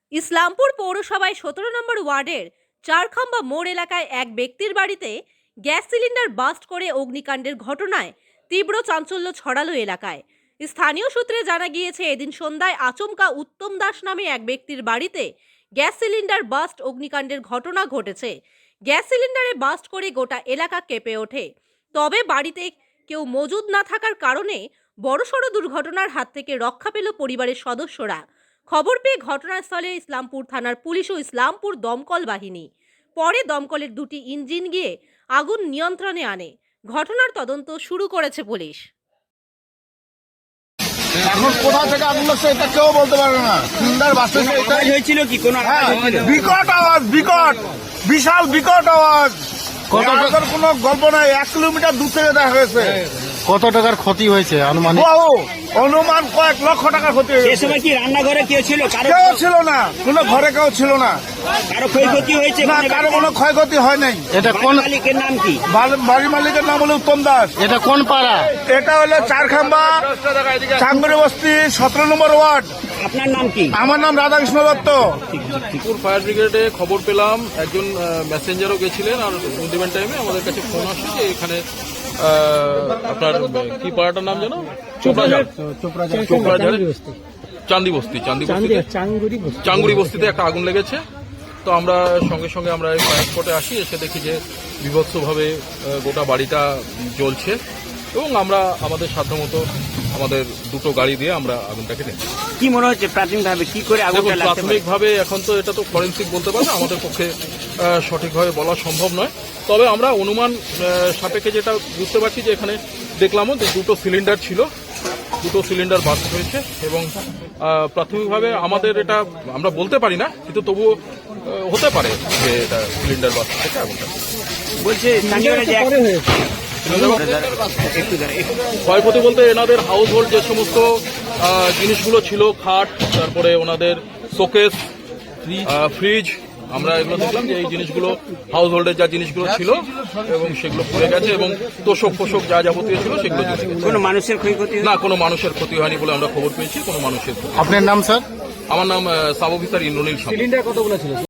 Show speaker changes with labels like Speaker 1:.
Speaker 1: ইসলামপুর পৌরসভায় 17 নম্বর ওয়ার্ডের চারখাম্বা মোড় এলাকায় এক ব্যক্তির বাড়িতে গ্যাস সিলিন্ডার বাস্ট করে অগ্নিকাণ্ডের ঘটনায় তীব্র চাঞ্চল্য ছড়ালো এলাকায়। স্থানীয় সূত্রে জানা গিয়েছে, এদিন সন্ধ্যায় আচমকা উত্তম দাস নামে এক ব্যক্তির বাড়িতে গ্যাস সিলিন্ডার বাস্ট অগ্নিকাণ্ডের ঘটনা ঘটেছে। গ্যাস সিলিন্ডারে বাস্ট করে গোটা এলাকা কেঁপে ওঠে। তবে বাড়িতে কেউ মজুদ না থাকার কারণে বড়সড় দুর্ঘটনার হাত থেকে রক্ষা পেল পরিবারের সদস্যরা। খবর পেয়ে ঘটনাস্থলে ইসলামপুর থানার পুলিশ ও ইসলামপুর দমকল বাহিনী। পরে দমকলের দুটি ইঞ্জিন গিয়ে আগুন নিয়ন্ত্রণে আনে। ঘটনার তদন্ত শুরু করেছে পুলিশ।
Speaker 2: এখন কোথা থেকে আগুন লাগছে এটা কেউ বলতে পারে না। সিলিন্ডার বাসে
Speaker 3: হয়েছিল কি কোন
Speaker 2: বিকট আওয়াজ, বিশাল বিকট আওয়াজ। কত কোনো গল্প নাই, 1 কিলোমিটার দূর থেকে দেখা হয়েছে।
Speaker 4: কত টাকার ক্ষতি হয়েছে আনুমানিক?
Speaker 2: অনুমান কয়েক লক্ষ টাকা ক্ষতি হয়েছে।
Speaker 3: সে সময় কি রান্নাঘরে কেউ ছিল?
Speaker 2: কেউ ছিল না, কোনো ঘরে কেউ ছিল না।
Speaker 3: কারো ক্ষয়ক্ষতি হয়েছে?
Speaker 2: না, কারো কোনো ক্ষয়ক্ষতি হয় নাই।
Speaker 4: এটা কোন
Speaker 3: মালিকের নাম কি?
Speaker 2: বাড়ির মালিকের নাম হলো উত্তম দাস।
Speaker 4: এটা কোন পাড়া?
Speaker 2: এটা হলো চারখাম্বা চাঙ্গুরি বস্তি 17 নম্বর ওয়ার্ড।
Speaker 3: আপনার নাম কি?
Speaker 2: আমার নাম রাধাকৃষ্ণ দত্ত।
Speaker 5: ফায়ার ব্রিগেডে খবর পেলাম, একজন মেসেঞ্জারও গেছিলেন, আর ইভেন্ট টাইমে আমাদের কাছে ফোন আসে যে এখানে আপনার কি পাড়াটার নাম যেন চোপড়াঝাড়ের চাঙ্গুরি বস্তিতে একটা আগুন লেগেছে। তো আমরা সঙ্গে সঙ্গে আমরা এই ফায়ার স্পটে আসি, এসে দেখি যে বিভৎসভাবে গোটা বাড়িটা জ্বলছে এবং আমরা আমাদের সাধ্যমতো আমাদের দুটো গাড়ি দিয়ে আমরা আগুনটাকে দেখি।
Speaker 3: কি মনে হচ্ছে প্রাথমিকভাবে কি করে আগুনটা লাগতে পারে?
Speaker 5: প্রাথমিকভাবে এখন তো এটা তো ফরেন্সিক বলতে পারে না, আমাদের পক্ষে সঠিকভাবে বলা সম্ভব নয়। তবে আমরা অনুমান সাপেক্ষে যেটা বুঝতে পারছি যে এখানে দেখলামও যে দুটো সিলিন্ডার বাস্ট হয়েছে এবং প্রাথমিকভাবে আমাদের এটা আমরা বলতে পারি না, কিন্তু তবুও হতে পারে যে এটা সিলিন্ডার বাস্ট থেকে আগুনটা
Speaker 3: বলছে
Speaker 5: ক্ষয়ক্ষতি বলতে এনাদের হাউস হোল্ড যে সমস্ত জিনিসগুলো ছিল, খাট, তারপরে ওনাদের শোকেস, ফ্রিজ, আমরা এগুলো দেখলাম যে এই জিনিসগুলো হাউস হোল্ডের যা জিনিসগুলো ছিল এবং সেগুলো পুড়ে গেছে এবং তোষক ফোষক যা যাবতীয় ছিল সেগুলো
Speaker 3: কোনো মানুষের ক্ষয়ক্ষতি
Speaker 5: না, কোনো মানুষের ক্ষতি হয়নি বলে আমরা খবর পেয়েছি। কোনো মানুষের।
Speaker 4: আপনার নাম স্যার?
Speaker 5: আমার নাম সাব অফিসার ইন্দ্রনীল।
Speaker 4: সিলিন্ডার কতগুলো ছিল?